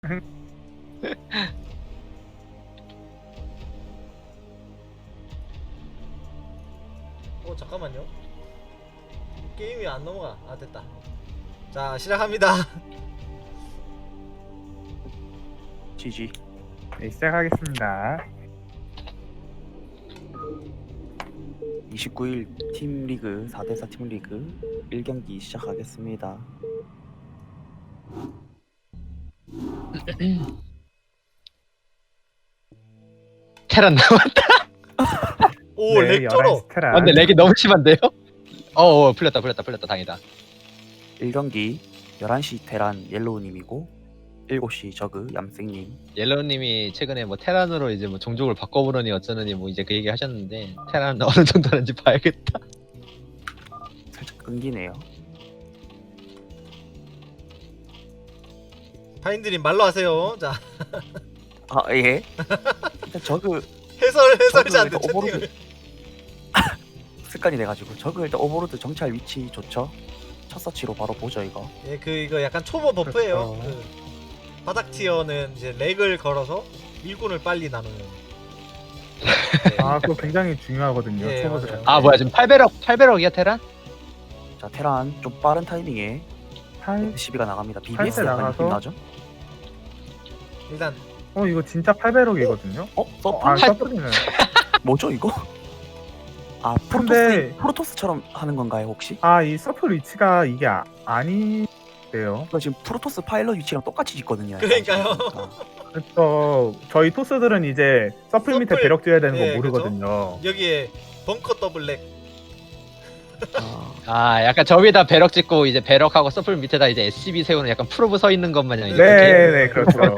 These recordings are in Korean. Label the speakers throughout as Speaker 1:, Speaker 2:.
Speaker 1: 잠깐만요. 게임이 안 넘어가. 아 됐다. 자 시작합니다.
Speaker 2: GG.
Speaker 3: 네, 시작하겠습니다.
Speaker 2: 29일 팀리그 4대4 팀리그 1경기 시작하겠습니다.
Speaker 4: 테란 나왔다.
Speaker 1: 오 렉 쩔어.
Speaker 3: 스테라.
Speaker 4: 근데 렉이 너무 심한데요? 풀렸다 다행이다.
Speaker 2: 1경기 11시 테란 옐로우님이고 7시 저그 얌생님.
Speaker 4: 옐로우님이 최근에 뭐 테란으로 이제 뭐 종족을 바꿔보려니 어쩌느니 뭐 이제 그 얘기 하셨는데 테란 어느 정도 하는지 봐야겠다.
Speaker 2: 살짝 끊기네요.
Speaker 1: 파인드님 말로 하세요. 자
Speaker 2: 아 예. 일단 저그
Speaker 1: 해설자한테
Speaker 2: 저그 오버로드
Speaker 1: 채팅을.
Speaker 2: 습관이 돼가지고 저그 일단 오버로드 정찰 위치 좋죠. 첫 서치로 바로 보죠 이거.
Speaker 1: 예, 이거 약간 초보 버프예요.
Speaker 3: 그렇죠.
Speaker 1: 그 바닥 티어는 이제 렉을 걸어서 일꾼을 빨리 나누는.
Speaker 3: 아, 그거 굉장히 중요하거든요.
Speaker 1: 예,
Speaker 3: 초보들.
Speaker 1: 맞아요.
Speaker 4: 아 뭐야 지금 800억이야 테란?
Speaker 2: 자 테란 좀 빠른 타이밍에
Speaker 3: 팔-
Speaker 2: 시비가 나갑니다.
Speaker 3: 팔
Speaker 2: BBS
Speaker 3: 때
Speaker 2: 약간 느낌
Speaker 3: 나가서-
Speaker 2: 나죠?
Speaker 1: 일단
Speaker 3: 이거 진짜 800억이거든요.
Speaker 2: 서플
Speaker 3: 아, 서플이네.
Speaker 2: 뭐죠 이거? 아
Speaker 3: 근데-
Speaker 2: 프로토스처럼 하는 건가요 혹시?
Speaker 3: 이 서플 위치가 이게 아니래요.
Speaker 2: 이거 지금 프로토스 파일럿 위치랑 똑같이 짓거든요.
Speaker 1: 그러니까요.
Speaker 3: 그래서 저희 토스들은 이제 서플 밑에
Speaker 1: 서플-
Speaker 3: 배럭 줘야 되는
Speaker 1: 예,
Speaker 3: 거 모르거든요.
Speaker 1: 여기에 벙커 더블 렉.
Speaker 4: 아 약간 저 위에다 배럭 찍고 이제 배럭하고 서플 밑에다 이제 SCB 세우는 약간 프로브 서 있는 것 마냥 이렇게.
Speaker 3: 네, 그렇죠.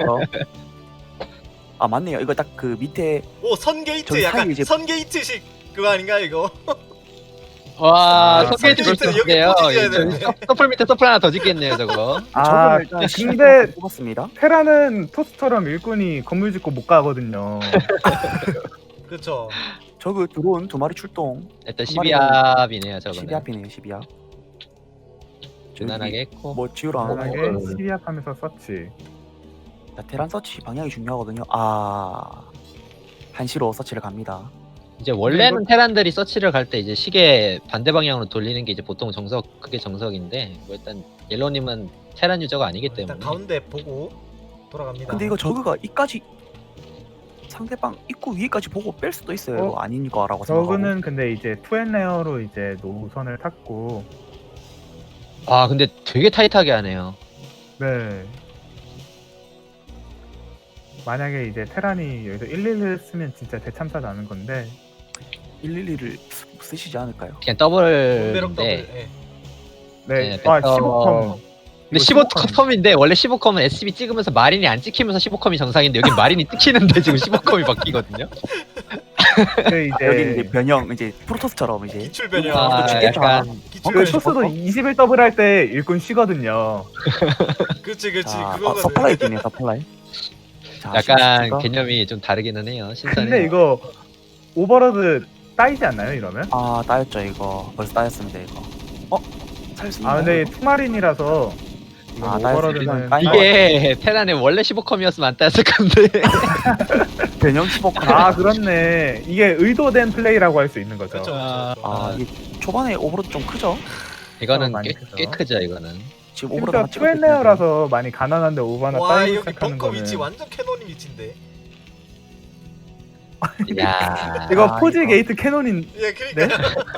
Speaker 2: 아 맞네요. 이거 딱 그 밑에
Speaker 1: 오 선게이트
Speaker 2: 저기
Speaker 1: 약간
Speaker 2: 사이에 이제-
Speaker 1: 선게이트식 그거 아닌가 이거?
Speaker 4: 와
Speaker 3: 아,
Speaker 4: 서게이트
Speaker 1: 서게이트 여기
Speaker 4: 좋은데요.
Speaker 1: 포지 지어야 되는데.
Speaker 4: 서플 밑에 서플 하나 더 짓겠네요 저거.
Speaker 3: 아,
Speaker 2: 일단
Speaker 3: 근데
Speaker 2: 시간을 뽑았습니다.
Speaker 3: 테라는 토스처럼 일꾼이 건물 짓고 못 가거든요.
Speaker 1: 그렇죠.
Speaker 2: 저그 드론 2마리 출동.
Speaker 4: 일단
Speaker 2: 한 마리는
Speaker 4: 12합이네요 저거는.
Speaker 2: 12합이네요. 12합.
Speaker 4: 무난하게 했고.
Speaker 2: 뭐 지우랑
Speaker 3: 만약에
Speaker 4: 어.
Speaker 3: 12합 하면서 서치.
Speaker 2: 자, 테란 서치 방향이 중요하거든요. 아 한시로 서치를 갑니다.
Speaker 4: 이제 원래는 테란들이 서치를 갈 때 이제 시계 반대 방향으로 돌리는 게 이제 보통 그게 정석인데 뭐 일단 옐로님은 테란 유저가 아니기 때문에
Speaker 1: 일단 가운데 보고 돌아갑니다.
Speaker 2: 근데 이거 저그가 이까지 상대방 입구 위에까지 보고 뺄 수도 있어요. 이거 아닌 거라고 생각하고.
Speaker 3: 저그는 근데 이제 투앤레어로 이제 노선을 탔고,
Speaker 4: 아 근데 되게 타이트하게 하네요.
Speaker 3: 네. 만약에 이제 테란이 여기서 111을 쓰면 진짜 대참사 나는 건데,
Speaker 2: 112를 쓰시지 않을까요?
Speaker 1: 원베럭
Speaker 4: 그냥
Speaker 1: 더블.
Speaker 4: 더블인데
Speaker 1: 예.
Speaker 3: 네.
Speaker 4: 네,
Speaker 3: 15컴.
Speaker 4: 근데 15컴인데 원래 15컴은 SB 찍으면서 마린이 안 찍히면서 15컴이 정상인데 여기 마린이 찍히는데 지금 15컴이 바뀌거든요.
Speaker 3: 그
Speaker 2: 여기 이제
Speaker 3: 이제
Speaker 2: 변형 이제 프로토스처럼 이제
Speaker 1: 기출 변형.
Speaker 4: 아
Speaker 2: 그렇죠.
Speaker 4: 약간
Speaker 1: 기출
Speaker 3: 그
Speaker 1: 변형.
Speaker 3: 토스도 21더블 할 때 일꾼 쉬거든요.
Speaker 1: 그렇지
Speaker 2: 자,
Speaker 1: 그거거든.
Speaker 2: 서플라이 팀이에요. 서플라이. 자,
Speaker 4: 약간
Speaker 2: 신스가-
Speaker 4: 개념이 좀 다르기는 해요. 신선해요.
Speaker 3: 근데 이거 오버로드 따이지 않나요, 이러면?
Speaker 2: 아 따였죠 이거. 벌써 따였습니다 이거. 살 수 있나요?
Speaker 3: 근데
Speaker 2: 이거?
Speaker 3: 투마린이라서 이건
Speaker 2: 아, 따였을
Speaker 3: 오버로드는
Speaker 2: 때는 따인
Speaker 4: 이게 테란에 원래 15컴이었으면 안 따였을 건데.
Speaker 2: 변형 15컴.
Speaker 3: 그렇네. 이게 의도된 플레이라고 할 수 있는 거죠.
Speaker 1: 그렇죠.
Speaker 4: 아,
Speaker 1: 그렇죠.
Speaker 2: 아 이게 초반에 오버로드 좀 크죠?
Speaker 4: 이거는
Speaker 3: 많이
Speaker 4: 꽤,
Speaker 3: 크죠.
Speaker 4: 꽤 크죠 이거는.
Speaker 2: 지금 오버로드
Speaker 3: 심지어
Speaker 2: 하나 찍을 수 있는데.
Speaker 3: 투앤레어라서 많이 가난한데 오버나
Speaker 1: 와
Speaker 3: 따이고
Speaker 1: 여기
Speaker 3: 시작하는
Speaker 1: 벙커
Speaker 3: 거는
Speaker 1: 위치 완전 캐논 위치인데.
Speaker 4: 야
Speaker 3: 이거
Speaker 2: 아,
Speaker 3: 포지
Speaker 2: 이거.
Speaker 3: 게이트 캐논인.
Speaker 1: 예 그러니까.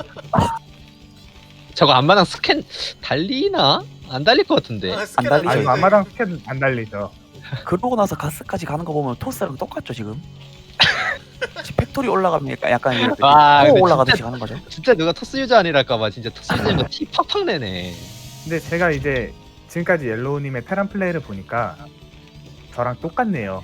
Speaker 4: 저거 안마당 스캔 달리나? 안 달릴 것 같은데.
Speaker 1: 스캔
Speaker 2: 달리죠,
Speaker 3: 아니
Speaker 2: 이거.
Speaker 3: 앞마당 스캔 안 달리죠.
Speaker 2: 그러고 나서 가스까지 가는 거 보면 토스랑 똑같죠 지금? 지금 팩토리 올라가면 약간 이렇게
Speaker 4: 와, 근데
Speaker 2: 올라가듯이 가는 거죠.
Speaker 4: 진짜 누가 토스 유저 아니랄까봐 진짜 토스 유저면 티 팍팍 내네.
Speaker 3: 근데 제가 이제 지금까지 옐로우님의 테란 플레이를 보니까 저랑 똑같네요.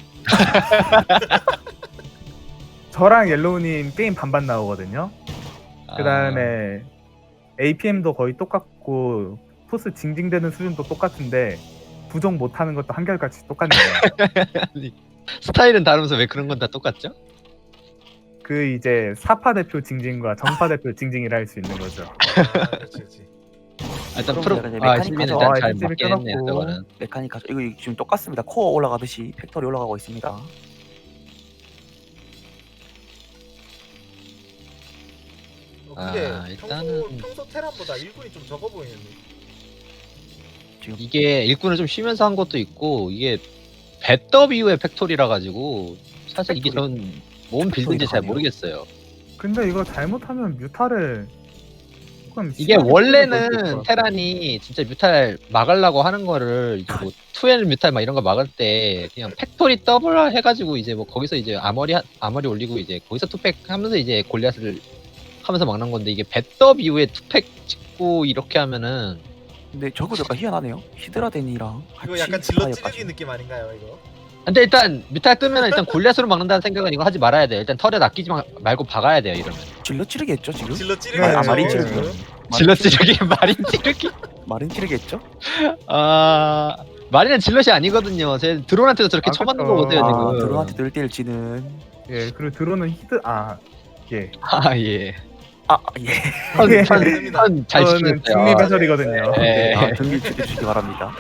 Speaker 3: 저랑 옐로우님 게임 반반 나오거든요. 그 다음에 APM도 거의 똑같고 토스 징징대는 수준도 똑같은데 부정 못하는 것도 한결같이 똑같네요.
Speaker 4: 스타일은 다르면서 왜 그런 건 다 똑같죠?
Speaker 3: 그 이제 사파 대표 징징과 정파 대표 징징이라 할 수 있는 거죠.
Speaker 1: 아, 그렇지 그렇지.
Speaker 4: 일단
Speaker 2: 그럼
Speaker 4: 프로
Speaker 2: 내가 이제
Speaker 4: 아
Speaker 2: 메카닉
Speaker 4: 시민은
Speaker 2: 가져.
Speaker 4: 일단 잘
Speaker 3: SCB
Speaker 4: 맞긴 했네요.
Speaker 3: 끊었고.
Speaker 4: 저거는.
Speaker 2: 메카닉 가져. 이거 지금 똑같습니다. 코어 올라가듯이 팩토리 올라가고 있습니다.
Speaker 1: 근데
Speaker 4: 아, 일단은-
Speaker 1: 평소 테란보다 일꾼이 좀 적어 보이는데.
Speaker 2: 지금
Speaker 4: 이게 일꾼을 좀 쉬면서 한 것도 있고 이게 배떡 이후의 팩토리라 가지고 사실 이게
Speaker 2: 팩토리.
Speaker 4: 전 뭔 빌드인지 잘
Speaker 2: 팩토리라고
Speaker 4: 모르겠어요.
Speaker 3: 근데 이거 잘못하면 뮤타를 조금
Speaker 4: 이게
Speaker 3: 시간이 걸릴 수
Speaker 4: 원래는
Speaker 3: 있을 것 같아요.
Speaker 4: 테란이 진짜 뮤탈 막으려고 하는 거를 이제 뭐 투엘 뮤탈 막 이런 거 막을 때 그냥 팩토리 더블 해가지고 이제 뭐 거기서 이제 아머리 올리고 이제 거기서 투팩 하면서 이제 골리앗을 하면서 막는 건데 이게 배떡 이후에 투팩 찍고 이렇게 하면은
Speaker 2: 근데 저거 약간 희한하네요. 히드라덴이랑
Speaker 1: 이거
Speaker 2: 같이
Speaker 1: 약간 질러
Speaker 2: 스파이어까지.
Speaker 1: 찌르기 느낌 아닌가요, 이거?
Speaker 4: 근데 일단 뮤탈 뜨면 일단 골리앗으로 막는다는 생각은 이거 하지 말아야 돼요. 일단 털에 낚이지 말고 박아야 돼요 이러면.
Speaker 2: 질러 찌르겠죠 지금?
Speaker 1: 질러 찌르기.
Speaker 3: 네,
Speaker 2: 마린
Speaker 3: 네.
Speaker 2: 찌르기.
Speaker 4: 질러 찌르기 마린 찌르기.
Speaker 2: 마린 찌르겠죠?
Speaker 4: 아 마린은 질럿이 아니거든요. 제 드론한테도 저렇게
Speaker 3: 아,
Speaker 4: 쳐맞는
Speaker 3: 그쵸.
Speaker 4: 거 보세요
Speaker 2: 아
Speaker 4: 지금.
Speaker 2: 드론한테 늘대를 치는.
Speaker 3: 예, 그리고 드론은 예.
Speaker 4: 아 예.
Speaker 2: 아 예.
Speaker 4: 잘
Speaker 3: 저는
Speaker 4: 치겠어요.
Speaker 3: 중립 해설이거든요.
Speaker 4: 네.
Speaker 2: 아, 등기 주시기 바랍니다.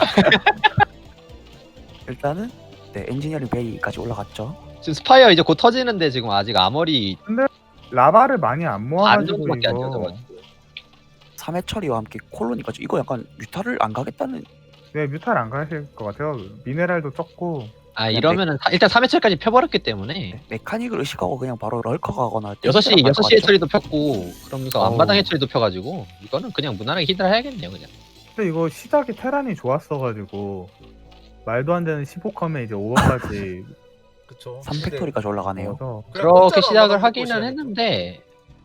Speaker 2: 일단은 네 엔지니어링 베이까지 올라갔죠.
Speaker 4: 지금 스파이어 이제 곧 터지는데 지금 아직 아머리
Speaker 3: 라바를 많이 안
Speaker 4: 반
Speaker 3: 모아가지고
Speaker 4: 정도밖에 안
Speaker 3: 이거.
Speaker 4: 쳐져가지고.
Speaker 2: 3회 처리와 함께 콜로니까지 이거 약간 뮤타를 안 가겠다는.
Speaker 3: 네, 뮤탈 안 가실 것 같아요. 미네랄도 적고.
Speaker 4: 아 이러면은 일단 3회철까지 펴버렸기 때문에
Speaker 2: 네, 메카닉을 의식하고 그냥 바로 럴커 가거나
Speaker 4: 6시 해처리도 폈고 그러면서
Speaker 2: 어우.
Speaker 4: 앞마당 해처리도 펴가지고 이거는 그냥 무난하게 히드라 해야겠네요 그냥.
Speaker 3: 근데 이거 시작이 테란이 좋았어가지고 말도 안 되는 15컴에 이제 5번까지
Speaker 1: 그쵸.
Speaker 2: 3팩토리까지 올라가네요.
Speaker 3: 넣어서
Speaker 4: 그렇게 시작을 하기는 했는데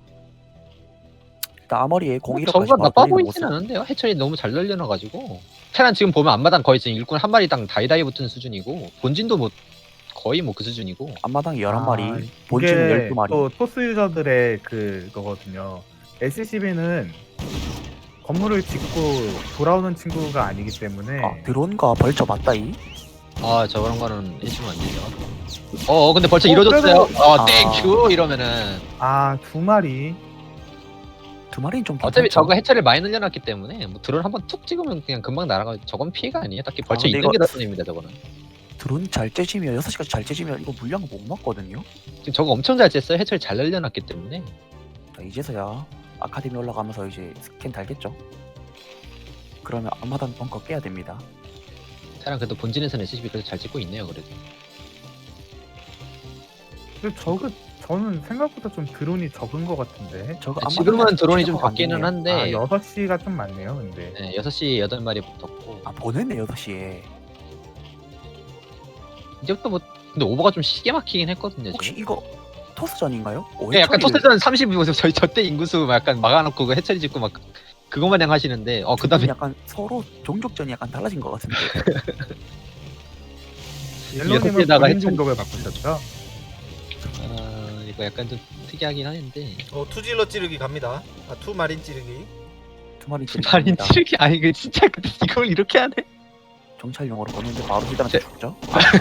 Speaker 2: 일단 아머리에 01호까지
Speaker 4: 저거가
Speaker 2: 바로
Speaker 4: 나빠
Speaker 2: 돌리는
Speaker 4: 보이지는
Speaker 2: 모습.
Speaker 4: 않은데요. 해처리 너무 잘 널려놔가지고 테란 지금 보면 앞마당 거의 지금 일꾼 한 마리당 다이다이 붙은 수준이고 본진도 뭐 거의 뭐 그 수준이고.
Speaker 2: 앞마당에 11마리,
Speaker 3: 이게
Speaker 2: 본진은 12마리.
Speaker 3: 또 토스 유저들의 그거거든요. SCB는 건물을 짓고 돌아오는 친구가 아니기 때문에
Speaker 2: 아, 드론과 벌처 맞다이.
Speaker 4: 아 저런 거는 해주면 안 되죠. 근데 벌써
Speaker 3: 어,
Speaker 4: 이뤄졌어요.
Speaker 2: 아.
Speaker 4: 땡큐 이러면은
Speaker 3: 두 마리.
Speaker 2: 두 마리는 좀
Speaker 4: 어차피
Speaker 2: 괜찮죠?
Speaker 4: 저거 해처리를 많이 늘려놨기 때문에 뭐 드론 한번 툭 찍으면 그냥 금방 날아가. 저건 피해가 아니에요. 딱히 벌써
Speaker 2: 근데
Speaker 4: 있는
Speaker 2: 이거-
Speaker 4: 게 나뿐입니다. 저거는
Speaker 2: 드론 잘 째지면 6시까지 잘 째지면 이거 물량 못 맞거든요.
Speaker 4: 지금 저거 엄청 잘 쬐어요. 해처리 잘 늘려놨기 때문에.
Speaker 2: 자, 이제서야 아카데미 올라가면서 이제 스캔 달겠죠. 그러면 앞마당 벙커 깨야 됩니다.
Speaker 4: 테란 그래도 본진에서는 SCB 그래도 잘 찍고 있네요. 그래도.
Speaker 3: 근데 저는 생각보다 좀 드론이 적은 것 같은데.
Speaker 2: 저거
Speaker 4: 지금은 드론이 좀
Speaker 2: 체크가 안
Speaker 4: 바뀌는
Speaker 2: 되네요.
Speaker 4: 한데
Speaker 3: 6시가 좀 많네요, 근데.
Speaker 4: 네, 6시 8마리 붙었고
Speaker 2: 아 보냈네 6시에.
Speaker 4: 이제부터 뭐 근데 오버가 좀 시게 막히긴 했거든요.
Speaker 2: 혹시
Speaker 4: 지금.
Speaker 2: 이거 토스전인가요?
Speaker 4: 네, 약간 토스전 30분 저희 저때 인구수 막 약간 막아놓고 그 해처리 짓고 막 그거 마냥 하시는데 그다음에
Speaker 2: 약간 서로 종족전이 약간 달라진 것 같은데.
Speaker 3: 옐로님은
Speaker 4: 6시에다가
Speaker 3: 본인
Speaker 4: 해처리-
Speaker 3: 종족을 바꾸셨죠?
Speaker 4: 이거 약간 좀 특이하긴 하는데
Speaker 1: 투질러 찌르기 갑니다. 투 마린 찌르기.
Speaker 2: 두 마리
Speaker 4: 마린
Speaker 2: 찌릅니다.
Speaker 4: 찌르기 아니 그 진짜 근데 이걸 이렇게 하네.
Speaker 2: 정찰용으로 보냈는데 바로 히드한테 죽죠.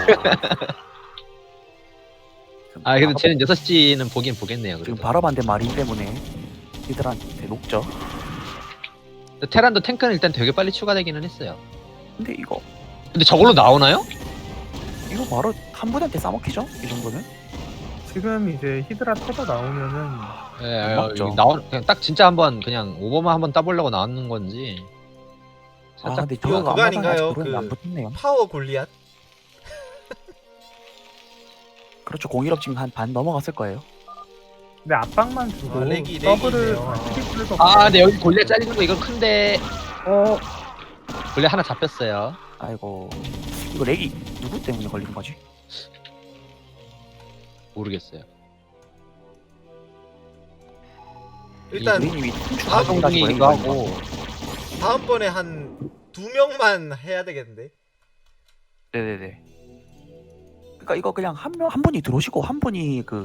Speaker 4: 아 그래도 쟤는 6시는 보긴 보겠네요.
Speaker 2: 지금
Speaker 4: 그래도.
Speaker 2: 바로 반대 마린 때문에 히드한테 녹죠.
Speaker 4: 테란도 탱크는 일단 되게 빨리 추가되기는 했어요.
Speaker 2: 근데 이거
Speaker 4: 저걸로 나오나요?
Speaker 2: 바로 한 분한테 싸먹히죠? 이 정도면?
Speaker 3: 지금 이제 히드라 터져 나오면은
Speaker 4: 예,
Speaker 2: 맞죠.
Speaker 4: 그냥 딱 진짜 한번 그냥 오버만 한번 따보려고 나왔는 건지.
Speaker 2: 아
Speaker 4: 살짝
Speaker 2: 근데
Speaker 1: 이거
Speaker 2: 저거가
Speaker 1: 그거
Speaker 2: 앞마당에
Speaker 1: 아닌가요?
Speaker 2: 아직 드론이
Speaker 1: 그-
Speaker 2: 안 붙었네요.
Speaker 1: 파워 골리앗.
Speaker 2: 그렇죠. 공일업 지금 한 반 넘어갔을 거예요.
Speaker 3: 근데 압박만 주고
Speaker 1: 렉이
Speaker 3: 더블을
Speaker 1: 있네요.
Speaker 3: 트리플도
Speaker 4: 아, 근데 여기 골리앗 잘리는 거 이건 큰데
Speaker 3: 어
Speaker 4: 골리앗 하나 잡혔어요.
Speaker 2: 아이고 이거 렉이 누구 때문에 걸린 거지?
Speaker 4: 모르겠어요.
Speaker 1: 일단
Speaker 2: 유리님이
Speaker 1: 아,
Speaker 2: 가동 다시
Speaker 4: 이거 하고
Speaker 1: 다음번에 한 2명만 해야 되겠는데.
Speaker 2: 네네네. 그러니까 이거 그냥 한 분이 들어오시고 한 분이 그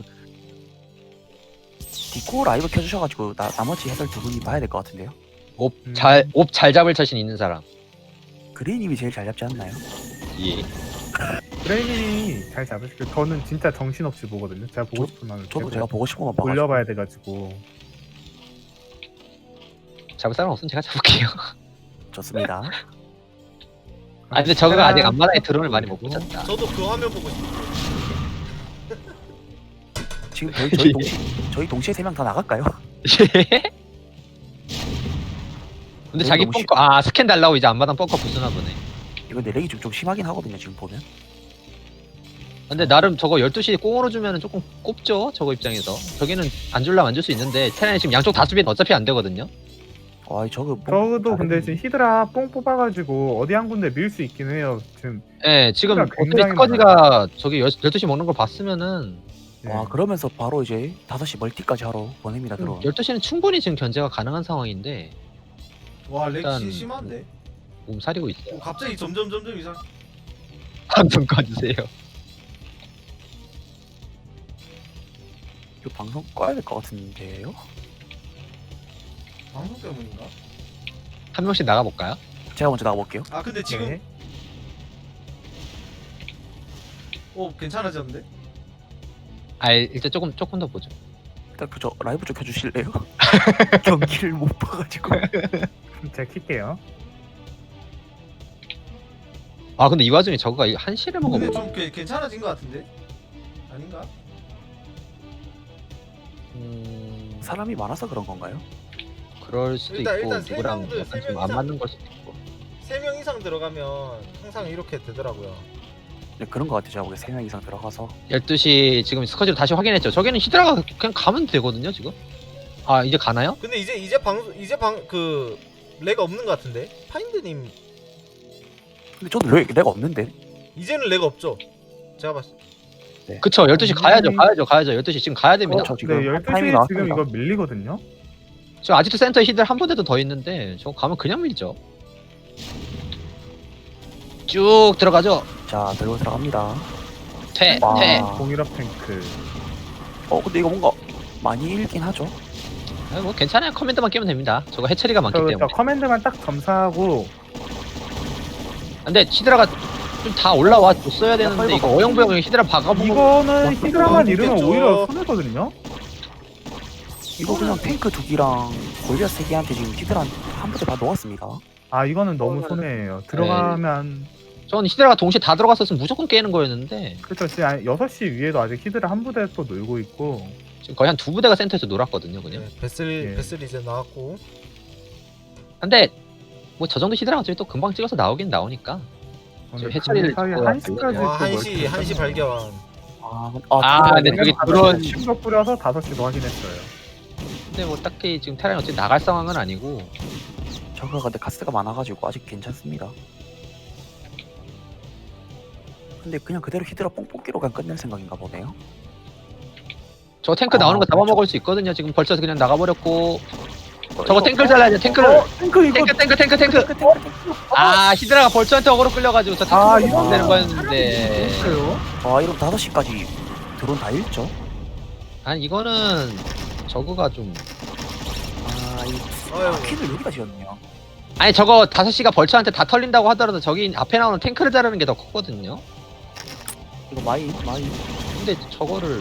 Speaker 2: 디코 라이브 켜주셔가지고 나머지 해설 두 분이 봐야 될 것 같은데요.
Speaker 4: 옵 잘 잡을 자신 있는 사람.
Speaker 2: 그레이님이 제일 잘 잡지 않나요?
Speaker 4: 예.
Speaker 3: 브레인이 잘 잡으시고 저는 진짜 정신없이 보거든요. 제가 보고 싶은 만을
Speaker 2: 저도
Speaker 3: 계속
Speaker 2: 제가 보고 싶은 것만 봐가지고.
Speaker 3: 돌려봐야 돼가지고
Speaker 4: 잡을 사람 없으면 제가 잡을게요.
Speaker 2: 좋습니다.
Speaker 4: 아 근데 저거가 아직 앞마당에 드론을 많이 못 붙였다.
Speaker 1: 저도 그 화면 보고 싶어요.
Speaker 2: 지금 저희 동시에 3명 다 나갈까요?
Speaker 4: 근데 자기
Speaker 2: 너무
Speaker 4: 벙커 스캔 달라고 이제 앞마당 벙커 부수나 보네.
Speaker 2: 이거 내 렉이 좀 심하긴 하거든요 지금 보면.
Speaker 4: 근데 나름 저거 12시 꽁으로 주면은 조금 꼽죠 저거 입장에서. 저기는 안 줄라면 안 줄 수 있는데 테란이 지금 양쪽 다 수비는 어차피 안 되거든요.
Speaker 2: 와 저거
Speaker 3: 저도 근데 지금 히드라 뽕 뽑아가지고 어디 한 군데 밀 수 있긴 해요. 지금
Speaker 4: 예, 지금
Speaker 3: 그러니까
Speaker 4: 어차피
Speaker 3: 굉장히
Speaker 4: 스커지가 저기 12시 먹는 걸 봤으면은
Speaker 3: 예.
Speaker 2: 와 그러면서 바로 이제 5시 멀티까지 하러 보냅니다 들어.
Speaker 4: 12시는 충분히 지금 견제가 가능한 상황인데
Speaker 1: 와
Speaker 4: 일단-
Speaker 1: 렉시 심한데.
Speaker 4: 몸살이고 있어요.
Speaker 1: 갑자기 점점 이상.
Speaker 4: 방송 꺼주세요.
Speaker 2: 이거 방송 꺼야 될 것 같은데요?
Speaker 1: 방송 때문인가?
Speaker 4: 한 명씩 나가볼까요?
Speaker 2: 제가 먼저 나가볼게요.
Speaker 1: 아 근데 지금
Speaker 3: 네.
Speaker 1: 괜찮아졌는데?
Speaker 4: 일단 조금 더 보죠.
Speaker 2: 일단 그저 라이브 좀 켜주실래요? 경기를 못 봐가지고.
Speaker 3: 제가 킬게요.
Speaker 4: 아 근데 이 와중에 저거가 1시를
Speaker 1: 근데
Speaker 4: 먹어보고
Speaker 1: 좀 괜찮아진 것 같은데? 아닌가?
Speaker 2: 사람이 많아서 그런 건가요?
Speaker 4: 그럴 수도
Speaker 1: 일단
Speaker 4: 있고
Speaker 1: 세
Speaker 4: 누구랑
Speaker 1: 명들,
Speaker 4: 약간
Speaker 1: 세
Speaker 4: 좀
Speaker 1: 명
Speaker 4: 안
Speaker 1: 이상.
Speaker 4: 맞는 걸 수도 있고.
Speaker 1: 3명 이상 들어가면 항상 이렇게 되더라고요.
Speaker 2: 네 그런 것 같아요. 제가 보기에 3명 이상 들어가서.
Speaker 4: 12시 지금 스커지로 다시 확인했죠. 저기는 히드라가 그냥 가면 되거든요 지금. 아 이제 가나요?
Speaker 1: 근데 이제 그 렉 없는 것 같은데? 파인드님
Speaker 2: 근데 저도 렉 없는데.
Speaker 1: 이제는 렉 없죠? 제가 봤을 때.
Speaker 4: 그쵸 12시 가야죠 12시 지금 가야 됩니다.
Speaker 2: 저
Speaker 3: 네,
Speaker 2: 지금
Speaker 3: 12시에
Speaker 2: 타이밍이
Speaker 3: 지금
Speaker 2: 나왔습니다.
Speaker 3: 이거 밀리거든요.
Speaker 4: 지금 아직도 센터에 히드라 한 부대도 더 있는데 저거 가면 그냥 밀죠. 쭉 들어가죠.
Speaker 2: 자 들고 들어갑니다.
Speaker 4: 퇴.
Speaker 2: 와.
Speaker 3: 공일업 탱크.
Speaker 2: 근데 이거 뭔가 많이 일긴 하죠.
Speaker 4: 뭐 괜찮아요. 커맨드만 끼면 됩니다. 저거 해처리가 많기
Speaker 3: 저
Speaker 4: 때문에.
Speaker 3: 커맨드만 딱 점사하고
Speaker 4: 근데 히드라가 좀 다 올라와 줬어야 되는데 이거 어영부영 히드라 박아보고
Speaker 3: 이거는 히드라만 잃으면
Speaker 1: 있겠죠.
Speaker 3: 오히려 손해거든요.
Speaker 2: 이거 그냥 탱크 2기랑 골리앗 3개한테 지금 히드라 한 부대 다 녹았습니다.
Speaker 3: 아 이거는 너무 손해예요. 들어가면
Speaker 4: 전 히드라가 동시에 다 들어갔었으면 무조건 깨는 거였는데
Speaker 3: 그렇죠. 지금 6시 위에도 아직 히드라 한 부대 또 놀고 있고.
Speaker 4: 지금 거의 한 2부대가 센터에서 놀았거든요 그냥.
Speaker 1: 네, 베슬
Speaker 3: 예.
Speaker 1: 베슬 이제 나왔고.
Speaker 4: 근데 뭐 저 정도 히드라가 어차피 또 금방 찍어서 나오긴 나오니까 지금 해처리를
Speaker 3: 사이
Speaker 4: 찍고
Speaker 3: 1시까지
Speaker 1: 와 1시 발견.
Speaker 4: 근데 저기 드론
Speaker 3: 심도 뿌려서 5시도 확인했어요.
Speaker 4: 근데 뭐 딱히 지금 테란이 어차피 나갈 상황은 아니고
Speaker 2: 저거 근데 가스가 많아가지고 아직 괜찮습니다. 근데 그냥 그대로 히드라 뽕뽑기로 그냥 끝낼 생각인가 보네요.
Speaker 4: 저 탱크 나오는 거
Speaker 2: 그렇죠.
Speaker 4: 잡아먹을 수 있거든요. 지금 벌써 그냥 나가버렸고 저거 탱크를 잘라야죠. 탱크를
Speaker 3: 탱크 이거
Speaker 4: 탱크 히드라가 벌써한테 어그로 끌려가지고 저
Speaker 3: 아,
Speaker 4: 탱크
Speaker 3: 이거
Speaker 4: 못 되는 거였는데
Speaker 3: 있어요.
Speaker 2: 이러면 5시까지 드론 다 잃죠?
Speaker 4: 아니 이거는 저거가 좀
Speaker 1: 아유.
Speaker 2: 퀸을 여기다 지었네요.
Speaker 4: 아니 저거 5시가 벌처한테 다 털린다고 하더라도 저기 앞에 나오는 탱크를 자르는 게 더 컸거든요.
Speaker 2: 이거 마이
Speaker 4: 근데 저거를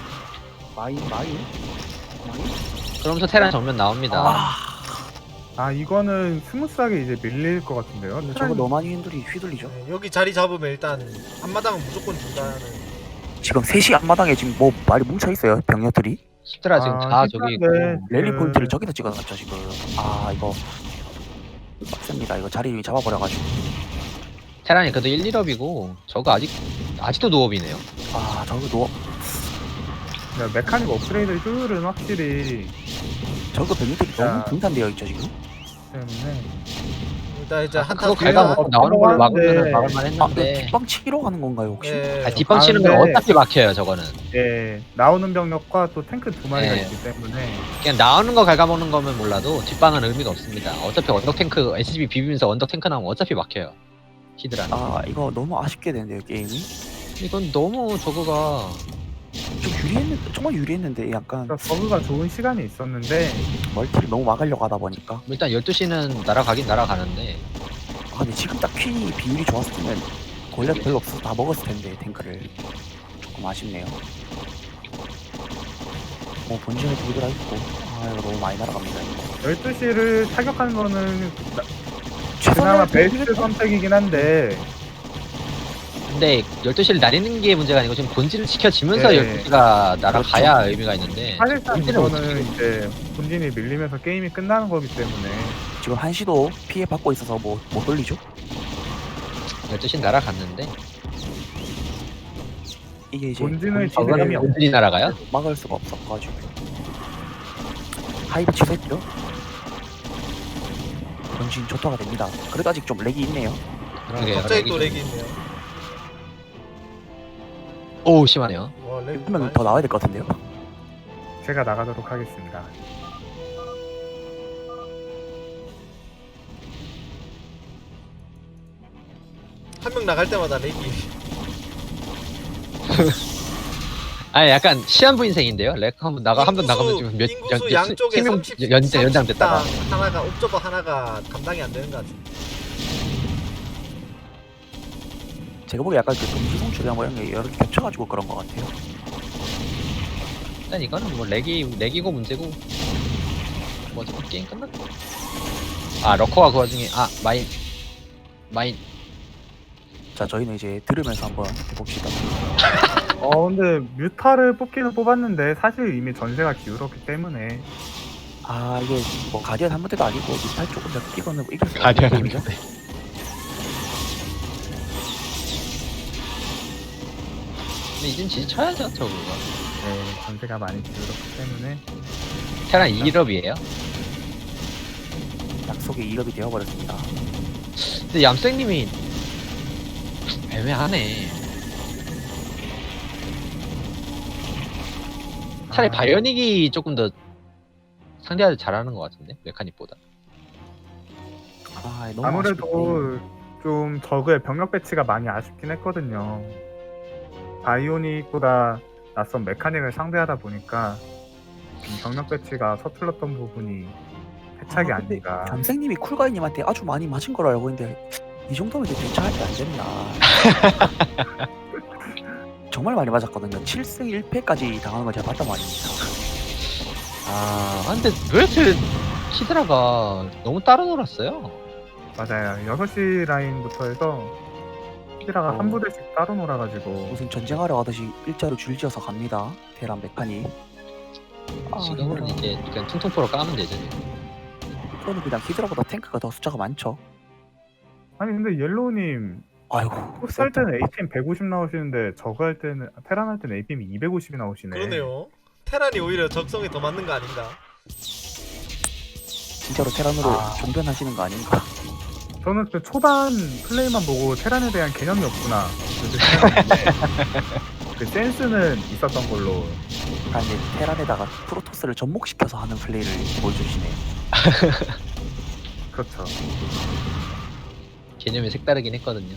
Speaker 4: 그러면서 테란 정면 나옵니다.
Speaker 3: 아 이거는 스무스하게 이제 밀릴 것 같은데요.
Speaker 2: 근데 저거 너무 많이 휘둘리죠?
Speaker 1: 네, 여기 자리 잡으면 일단 앞마당은 무조건 준다는.
Speaker 2: 지금 3시 앞마당에 지금 뭐 많이 뭉쳐있어요 병력들이.
Speaker 4: 히드라 지금 다 저기 있고
Speaker 2: 랠리 포인트를 저기다 찍어놨죠 지금. 이거 빡셉니다. 이거 자리 잡아버려가지고.
Speaker 4: 테란이 그래도 1, 2업이고 저거 아직도 노업이네요.
Speaker 2: 저거
Speaker 3: 메카닉 업그레이드 효율은 확실히
Speaker 2: 저거 병력들이
Speaker 3: 자.
Speaker 2: 너무 분산되어 있죠 지금.
Speaker 3: 때문에
Speaker 1: 일단 이제 한타
Speaker 4: 그거 갈가먹고 나오는 걸로
Speaker 3: 하는데.
Speaker 4: 막으면 했는데
Speaker 2: 뒷방 치러 가는 건가요 혹시?
Speaker 1: 예.
Speaker 4: 뒷방 치는 건
Speaker 3: 근데-
Speaker 4: 어차피 막혀요 저거는.
Speaker 3: 예, 나오는 병력과 또 탱크 2마리가
Speaker 4: 네.
Speaker 3: 있기 때문에
Speaker 4: 그냥 나오는 거 갉아먹는 거면 몰라도 뒷방은 의미가 없습니다. 어차피 언덕 탱크 SCB 비비면서 언덕 탱크 나오면 어차피 막혀요. 히드라는.
Speaker 2: 이거 너무 아쉽게 되는데요 게임이.
Speaker 4: 이건 너무 저거가
Speaker 2: 좀 유리했는데 정말 유리했는데 약간
Speaker 3: 버그가 좋은 시간이 있었는데
Speaker 2: 멀티를 너무 막으려고 하다 보니까.
Speaker 4: 일단 12시는 날아가긴 날아가는데
Speaker 2: 근데 지금 딱 퀸이 비율이 좋았으면 골렛 별로 없어서 다 먹었을 텐데 탱크를. 조금 아쉽네요. 뭐 본진에 두 개라 있고 아 이거 너무 많이 날아갑니다. 이거.
Speaker 3: 12시를 타격하는 거는
Speaker 2: 최선을
Speaker 3: 그나마 베스트
Speaker 2: 다해주겠다.
Speaker 3: 선택이긴 한데
Speaker 4: 근데 12시를 나리는 게 문제가 아니고 지금 본진을 지켜지면서
Speaker 3: 네.
Speaker 4: 12시가 날아가야
Speaker 2: 그렇죠.
Speaker 4: 의미가 있는데
Speaker 3: 사실상
Speaker 4: 본진을 못
Speaker 3: 이거는
Speaker 4: 지키고
Speaker 3: 이제 본진이 밀리면서 게임이 끝나는 거기 때문에
Speaker 2: 지금 한시도 피해 받고 있어서 뭐 못 돌리죠?
Speaker 4: 12시는 날아갔는데
Speaker 2: 이게 이제
Speaker 3: 본진을
Speaker 2: 본진을
Speaker 3: 지키려면
Speaker 4: 본진이 날아가요?
Speaker 2: 막을 수가 없어가지고 하이브 취소했죠? 본진 조터가 됩니다. 그래도 아직 좀 렉이 있네요.
Speaker 4: 그러게요.
Speaker 1: 갑자기 또 렉이 있네요.
Speaker 4: 오 심하네요.
Speaker 1: 와, 렉
Speaker 2: 한 명
Speaker 1: 많이
Speaker 2: 더 나와야 될 것 같은데요?
Speaker 3: 제가 나가도록 하겠습니다.
Speaker 1: 한 명 나갈 때마다 렉이.
Speaker 4: 아 약간 시한부 인생인데요. 렉 한번 나가면 지금 몇
Speaker 1: 인구수 양쪽에
Speaker 4: 명
Speaker 1: 30,
Speaker 4: 연장 됐다가
Speaker 1: 30당 하나가 옵저버 하나가 감당이 안 되는 것 같은데.
Speaker 2: 제가 보기에 약간 그 금지성 출연 뭐 이런 게 여러 개 겹쳐가지고 그런 것 같아요.
Speaker 4: 일단 이거는 뭐 렉이고 문제고 뭐 어차피 게임 끝났고. 아 러커가 그 와중에 마인
Speaker 2: 자 저희는 이제 들으면서 한번 해봅시다.
Speaker 3: 근데 뮤타를 뽑기는 뽑았는데 사실 이미 전세가 기울었기 때문에
Speaker 2: 아 이게 뭐 가디언 한 문제도 아니고 미탈 조금 더 끼고는 이길 수
Speaker 4: 가디언
Speaker 2: 없는 게임이죠.
Speaker 4: 근데 이젠 지쳐야죠 저거.
Speaker 3: 전세가 많이 기울었기 때문에
Speaker 4: 테란 2일업이에요.
Speaker 2: 약속의 2업이 되어버렸습니다.
Speaker 4: 근데 얌생님이 애매하네. 차라리 바이오닉이 조금 더 상대하기 잘하는 것 같은데 메카닉보다.
Speaker 2: 아 너무 아쉽네.
Speaker 3: 아무래도 좀 저그의 병력 배치가 많이 아쉽긴 했거든요. 바이오닉보다 낯선 메카닉을 상대하다 보니까 좀 병력 배치가 서툴렀던 부분이 패착이
Speaker 2: 아, 근데
Speaker 3: 아닌가.
Speaker 2: 감생님이 쿨가이님한테 아주 많이 맞은 걸로 알고 있는데 이 정도면 이제 대처할 게 안 됐나. 정말 많이 맞았거든요. 7승 1패까지 당하는 걸 제가 봤단 말입니다.
Speaker 4: 아 근데 왜 이렇게 히드라가 너무 따로 놀았어요?
Speaker 3: 맞아요. 6시 라인부터 해서 히드라가 한 부대씩 따로 놀아가지고
Speaker 2: 무슨 전쟁하러 가듯이 일자로 줄지어서 갑니다. 테란 메카닉. 아,
Speaker 4: 지금은 이제 그냥 퉁퉁포로 까면 되죠.
Speaker 2: 이거는 그냥 히드라보다 탱크가 더 숫자가 많죠.
Speaker 3: 아니 근데 옐로우님
Speaker 2: 아이고.
Speaker 3: 포스 할 때는 APM 150 나오시는데 저거 할 때는 테란 할 때는 APM이 250이 나오시네.
Speaker 1: 그러네요. 테란이 오히려 적성에 더 맞는 거 아닌가?
Speaker 2: 진짜로 테란으로
Speaker 3: 아.
Speaker 2: 종변하시는 거 아닌가.
Speaker 3: 저는 그 초반 플레이만 보고 테란에 대한 개념이 없구나. 그렇게 생각했는데 그 센스는 있었던 걸로.
Speaker 2: 아, 근데 테란에다가 프로토스를 접목시켜서 하는 플레이를 보여주시네요.
Speaker 3: 그렇죠.
Speaker 4: 개념이 색다르긴 했거든요.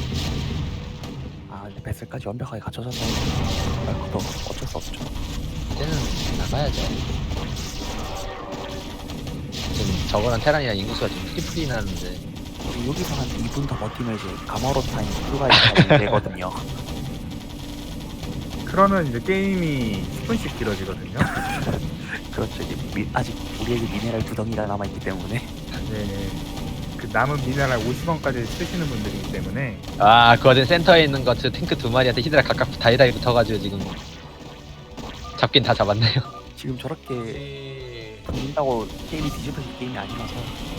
Speaker 2: 아, 근데 베슬까지 완벽하게 갖춰져서 그것도 어쩔 수 없죠.
Speaker 4: 이제는 나가야죠. 지금 저거랑 테란이랑 인구수가 지금 트리플이 나는데
Speaker 2: 이제 여기서 한 2분 더 버티면 이제 가마로 타임 쿨가이 되거든요.
Speaker 3: 그러면 이제 게임이 10분씩 길어지거든요.
Speaker 2: 그렇죠. 이제 아직 우리에게 미네랄 구덩이가 남아있기 때문에.
Speaker 3: 네. 그 남은 미네랄 50원까지 쓰시는 분들이기 때문에
Speaker 4: 아 그 와중에 센터에 있는 탱크 2마리한테 히드라 각각 다이다이 붙어가지고 지금 잡긴 다 잡았네요.
Speaker 2: 지금 저렇게
Speaker 1: 이...
Speaker 2: 돌린다고 게임이 뒤집어질 게임이 아니라서.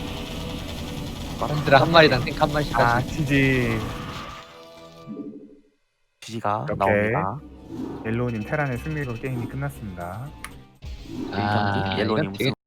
Speaker 4: 히드라 한 마리당 탱크 한 마리씩
Speaker 3: 아
Speaker 4: 가지고
Speaker 3: GG
Speaker 2: 지지가
Speaker 3: 이렇게.
Speaker 2: 나옵니다.
Speaker 3: 옐로우님 테란의 승리로 게임이 끝났습니다.
Speaker 2: 이 경기 옐로우님
Speaker 4: 이건 되게